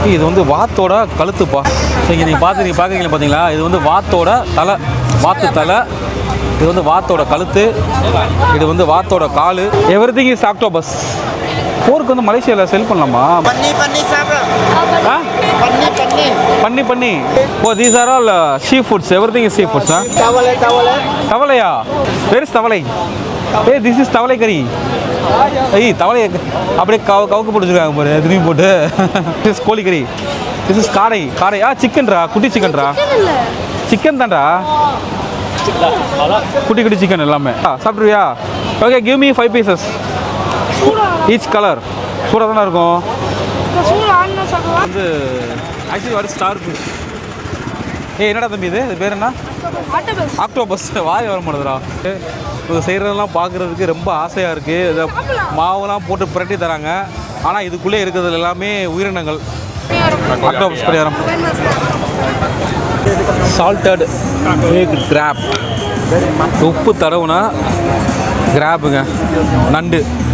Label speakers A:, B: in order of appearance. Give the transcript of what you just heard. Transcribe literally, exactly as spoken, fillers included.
A: இது வந்து வாத்தோட கழுத்துப்பா. இங்கே நீங்கள் பார்த்து நீங்கள் பார்க்குறீங்களா பார்த்தீங்களா, இது வந்து வாத்தோட தலை, வாத்து தலை. இது வந்து வாத்தோட கழுத்து, இது வந்து வாத்தோட காலு. Every thing is octopus. போருக்கு வந்து மலேசியாவில் செல் பண்ணலாமா?
B: பண்ணி பண்ணி சாப்பிட்றோம்.
A: ஆ
B: பண்ணி பண்ணி
A: பண்ணி பண்ணி oh these are all sea foods. Every thing is sea foods. ஆ
B: தவளை தவளை
A: தவளையா? வேர் இஸ் தவளை? ஏ திஸ் இஸ் தவளை கறி. ஐய் தவளை அப்படியே கவு கவுக்கு போட்டுருக்காங்க பாரு, திரும்பி போட்டு. திஸ் இஸ் கோழி கறி. திஸ் இஸ் காடை. காடை ஆ சிக்கன்ரா, குட்டி சிக்கன்ரா. சிக்கன் தான்டா, குட்டி குட்டி சிக்கன் எல்லாமே. சாப்பிட்ருவியா? Okay give me five pieces each colour. சூடாக தானே இருக்கும் வந்து. ஆக்சுவலி வர ஸ்டார் ஃபிஷ். ஏ என்னடா தம்பி இது, இது பேர் என்ன? ஆக்டோபஸ். வாய் வர மாட்டேதுடா. இது செய்கிறதெல்லாம் பார்க்குறதுக்கு ரொம்ப ஆசையாக இருக்குது. இதை மாவுலாம் போட்டு புரட்டி தராங்க. ஆனால் இதுக்குள்ளே இருக்கிறது எல்லாமே உயிரினங்கள். ஆக்டோபஸ் பரிகாரம். Salted egg crab. உப்பு தடவுனா கிராப்புங்க, நண்டு.